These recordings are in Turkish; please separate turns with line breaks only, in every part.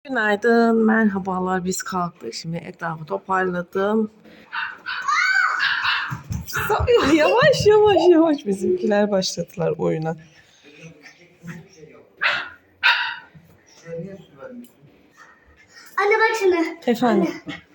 Günaydın, merhabalar. Biz kalktık. Şimdi etrafı toparladım. Yavaş yavaş yavaş bizimkiler başladılar oyuna.
Anne bak şimdi.
Efendim.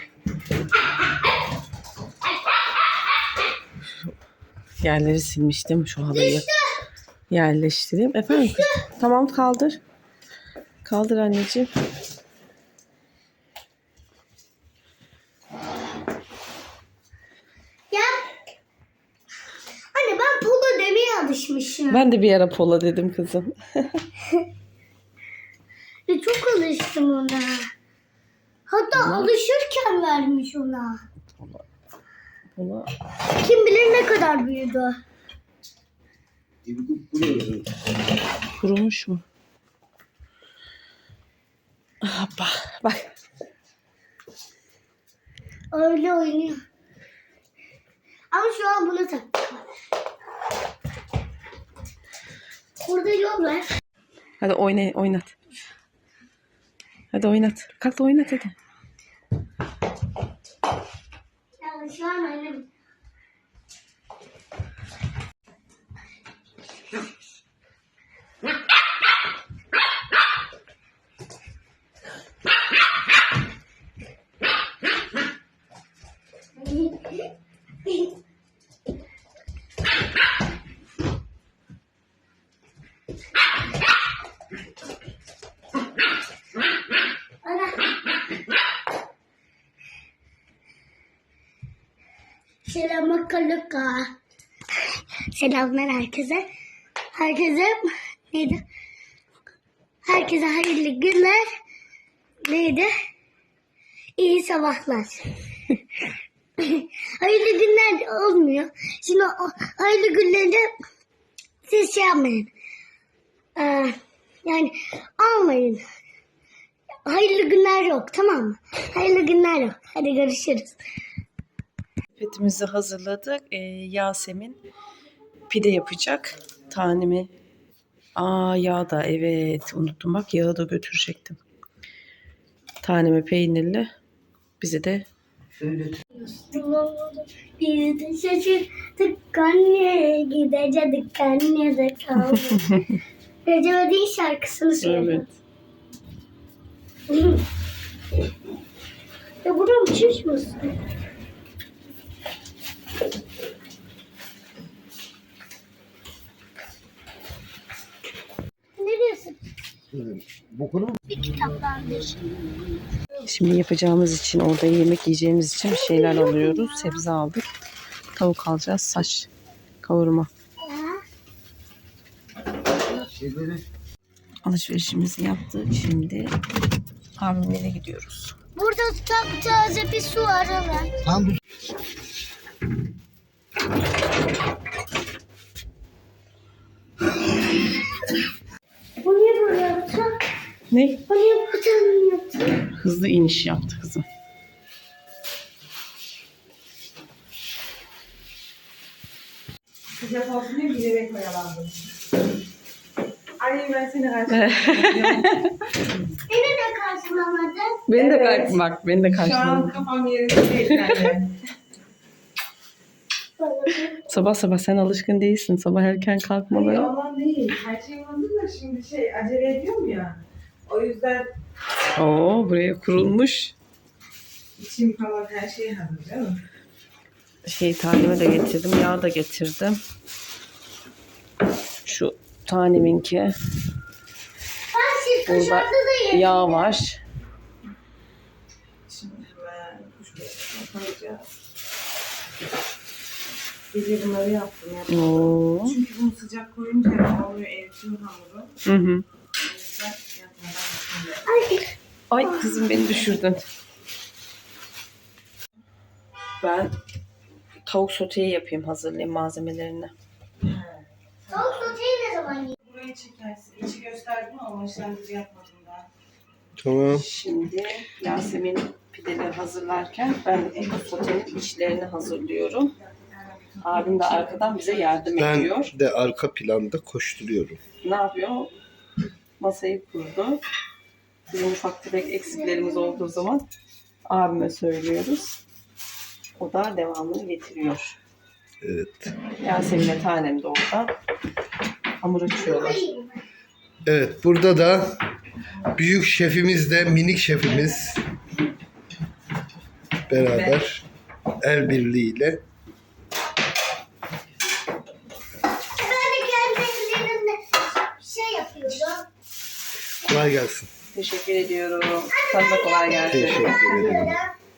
Yerleri silmiştim. Şu halıyı yerleştireyim. Efendim. Tamam kaldır. Kaldır anneciğim.
Ya. Anne ben polo demeye alışmışım.
Ben de bir ara pola dedim kızım.
Ve çok alıştım ona. Hatta alışırken vermiş ona.
Pola.
Kim bilir ne kadar büyüdü.
Kurumuş mu? Hoppa. Bak.
Öyle oynuyor. Ama şu an bunu tak. Burada yol var.
Hadi oynat. Hadi oynat. Kalk da oynat hadi.
Yani şu an annem. Selamlar herkese. Neydi? Herkese hayırlı günler. Neydi? İyi sabahlar. Hayırlı günler olmuyor. Şimdi o hayırlı günlerde siz şey yapmayın. Yani almayın. Hayırlı günler yok, tamam mı? Hayırlı günler yok. Hadi görüşürüz.
Sepetimizi hazırladık. Yasemin pide yapacak. Tanemi. Yağ da evet unuttum bak yağı da götürecektim. Tanemi peynirli. Bizi de
Biz de şaşırdık anne, gidecektik anne de kaldı. Recep İvedik'in şarkısını söylüyor.
evet.
Ya buradan uçuş musun? Ne diyorsun? Bir kitaplardır.
Şimdi yapacağımız için orada yemek yiyeceğimiz için bir şeyler alıyoruz. Sebze aldık. Tavuk alacağız. Saç kavurma. Alışverişimizi yaptık. Şimdi abimlere gidiyoruz.
Burada taze bir su var hemen.
Tamam.
Bu niye böyle yaptı?
Ne?
Bu niye böyle yaptı?
Hızlı iniş yaptı kızım.
Sıcak olsun diye bilerek oyalandım. Annem ben seni karşıladım.
Beni de karşılamadın.
Beni de
Evet.
bak beni de
Şu an
karşıladı.
kafam yerinde değil anne.
Sabah sabah sen alışkın değilsin. Sabah erken
Hayır
kalkmaları.
ondan değil. Her şey hazır da şimdi acele ediyorum ya. O yüzden
Buraya kurulmuş.
içim falan her şey hazır değil mi?
Taneme de getirdim. Yağ da getirdim. Şu taneminki.
Ben
Burada
dışarıda da yedim.
yağ var.
Şimdi hemen kuşbaşına koyacağız. Gece bunları yaptım ya.
Oo.
Çünkü bunu sıcak koyunca oluyor eritiyor hamuru.
Hı hı.
O yüzden yapmadan şimdi.
Ay kızım beni düşürdün. Ben tavuk soteyi yapayım, hazırlayayım malzemelerini.
Tavuk soteyi ne zaman yiyeyim?
Burayı çekersin. İçi gösterdim ama işlemci yapmadım daha.
Tamam.
Şimdi Yasemin pideleri hazırlarken ben tavuk sotenin içlerini hazırlıyorum. Abim de arkadan bize yardım ediyor.
Ben de arka planda koşturuyorum.
Ne yapıyor? Masayı kurdu. Bizim ufak tefek eksiklerimiz olduğu zaman abime söylüyoruz. O da devamını getiriyor.
Evet.
Yasemin'le Tanem de orada hamur açıyorlar.
Evet, burada da büyük şefimiz de minik şefimiz beraber el birliğiyle.
Ben de kendi ellerimle şey yapıyorum.
Kolay gelsin.
Teşekkür ediyorum. Sana da kolay gelsin.
Teşekkür ederim.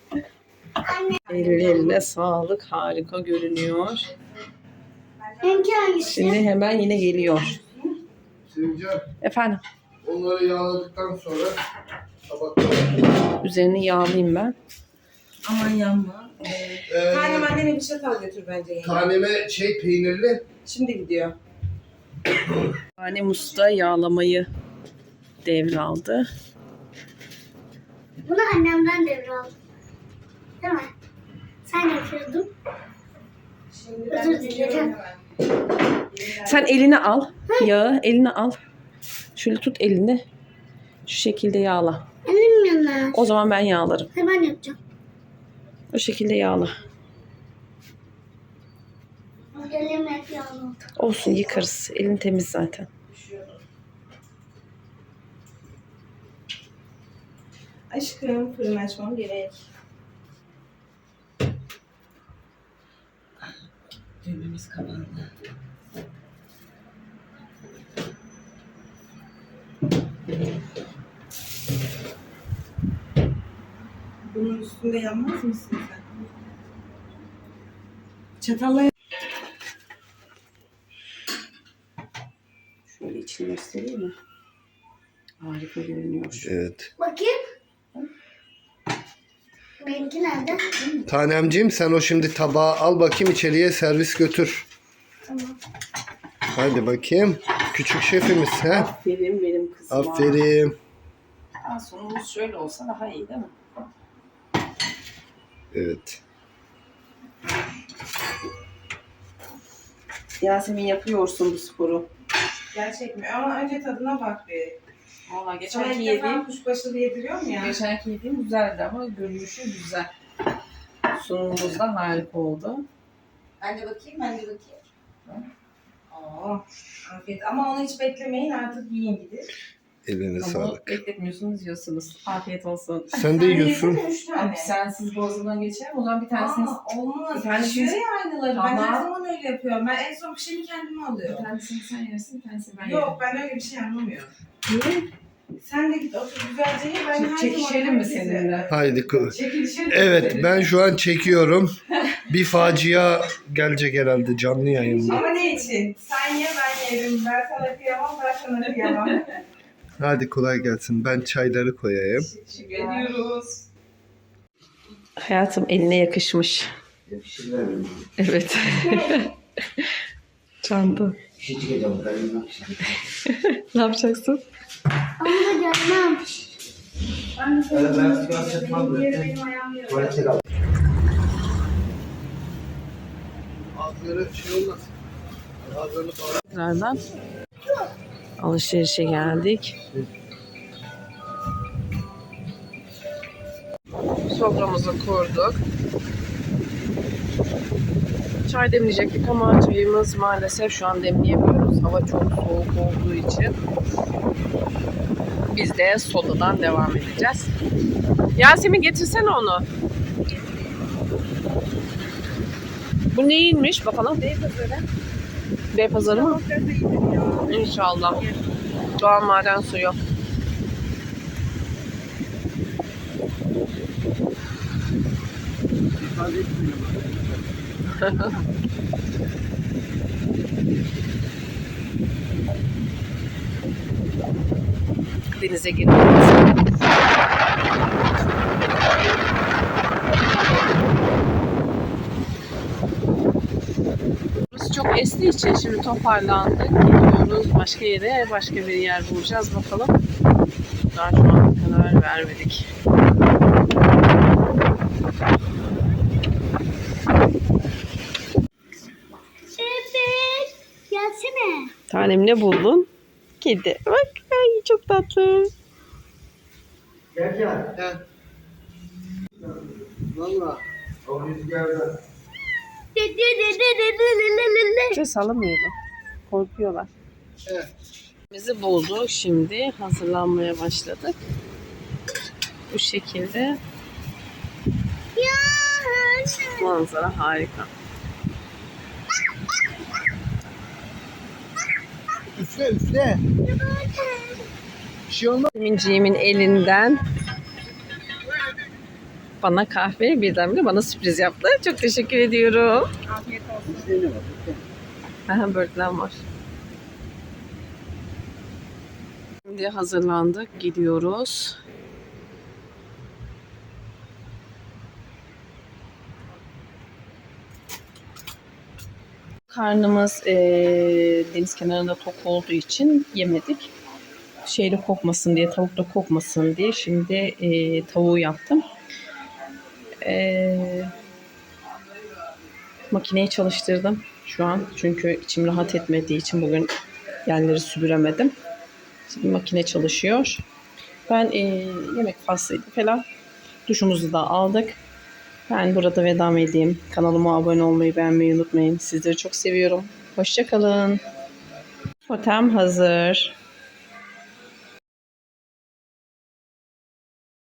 Ellerine sağlık. Harika görünüyor.
Benimki hangisi?
Şimdi hemen yine geliyor.
Sevcan,
Efendim,
onları yağladıktan sonra tabaklara.
üzerini yağlayayım ben.
Aman yanma. Tanem annene bir çatal götür bence yenge.
Taneme peynirli.
Şimdi gidiyor.
Tanem Usta yağlamayı devraldı.
Bunu annemden devraldım. Değil mi? Sen yapıyordun.
Şimdi
Özür
ben gidiyorum
dilerim.
hemen.
Sen elini al. Yağı eline al. Şöyle tut elini. Şu şekilde yağla.
Elim yanar.
O zaman ben yağlarım.
Hemen yapacağım.
O şekilde yağla.
Elim hep yağlı.
Olsun, yıkarız. Elin temiz zaten.
Aşkım fırın açmam gerek. Düğmemiz kapandı. Bunun üstünde yanmaz mısın sen? Çatalla
Şöyle içini göstereyim mi? Harika görünüyor.
Evet.
Bakayım. Benimki nerede?
Tanemciğim, sen o şimdi tabağı al bakayım, içeriye servis götür.
Tamam.
Hadi bakayım. Küçük şefimiz he.
Aferin benim kızıma.
Aferin.
Sonumuz şöyle olsa daha iyi değil mi?
Evet.
Yasemin, yapıyorsun bu sporu.
gerçek mi? Ama önce tadına bak bir.
Valla
Sana
geçenki
ilk defa
yediğim
kuşbaşılı yediriyor mu ya?
Geçenki yediğim güzeldi ama görünüşü güzel. Sunumumuz da harika oldu.
Ben de bakayım. Aa, afiyet. Ama onu hiç beklemeyin, artık yiyin gidip.
Eline
Ama
sağlık.
bekletmiyorsunuz, yiyorsunuz. Afiyet olsun.
Sen de yiyorsun.
yedin mi? 3 tane.
Abi sensiz boğazından geçerim. O zaman bir tanesini...
Olmaz.
Bir tanesini-
Pişiyor ya aynıları. Ben
Tamam.
her zaman öyle yapıyorum. Ben en son pişeni kendime
Bir
alıyorum.
tanesini sen yersin, bir tanesini ben yerim.
Yok, ben öyle bir şey anlamıyorum.
Niye?
Sen de git otur güzelce ye. Ben her zaman
Çekişelim mi
herkese-
seninle?
Haydi.
Çekilişelim.
Evet, ben şu an çekiyorum. Bir facia gelecek herhalde canlı yayında.
Ama ne için? Sen ye, ben yerim. Ben sana kıyamam, ben sana kıyamam.
Hadi kolay gelsin. Ben çayları koyayım.
Teşekkür ediyoruz. Hayatım, eline yakışmış. Evet. Çanta. Ne yapacaksın?
Onu da görmem.
Ağzları şey olmasın. Ağzını bağlı.
Tekrardan alışverişe geldik. Soframızı kurduk. Çay demleyecektik ama çayımız maalesef şu an demleyemiyoruz. Hava çok soğuk olduğu için. Biz de sodadan devam edeceğiz. Yasemin, getirsene onu. Bu neymiş bakalım? Beypazarı mı? İnşallah. Doğal maden suyu. Denize giriyoruz. Burası çok estiği için şimdi toparlandık. Gidiyoruz başka yere, başka bir yer bulacağız bakalım. Daha şu an karar vermedik.
Evet. Gelsene.
Tanem, ne buldun? Kedi. Bak, ay çok tatlı.
He. Valla.
Ses alamıyorlar. Korkuyorlar.
Evet.
Bizi buldu. Şimdi hazırlanmaya başladık. Bu şekilde. Manzara harika.
Üfle üfle. Bir şey olmaz.
Minciğimin elinden bana kahve, birdenbire bana sürpriz yaptı. Çok teşekkür ediyorum.
Afiyet olsun.
Aha, böğürtlen var. Şimdi hazırlandık. Gidiyoruz. Karnımız deniz kenarında tok olduğu için yemedik. Şeyde kokmasın diye, tavuk da kokmasın diye şimdi tavuğu yaptım. Makineyi çalıştırdım şu an. Çünkü içim rahat etmediği için bugün yerleri süpüremedim. Şimdi makine çalışıyor. Ben yemek faslıydı falan. Duşumuzu da aldık. Ben burada veda edeyim. Kanalıma abone olmayı, beğenmeyi unutmayın. Sizleri çok seviyorum. Hoşça kalın. Totem hazır.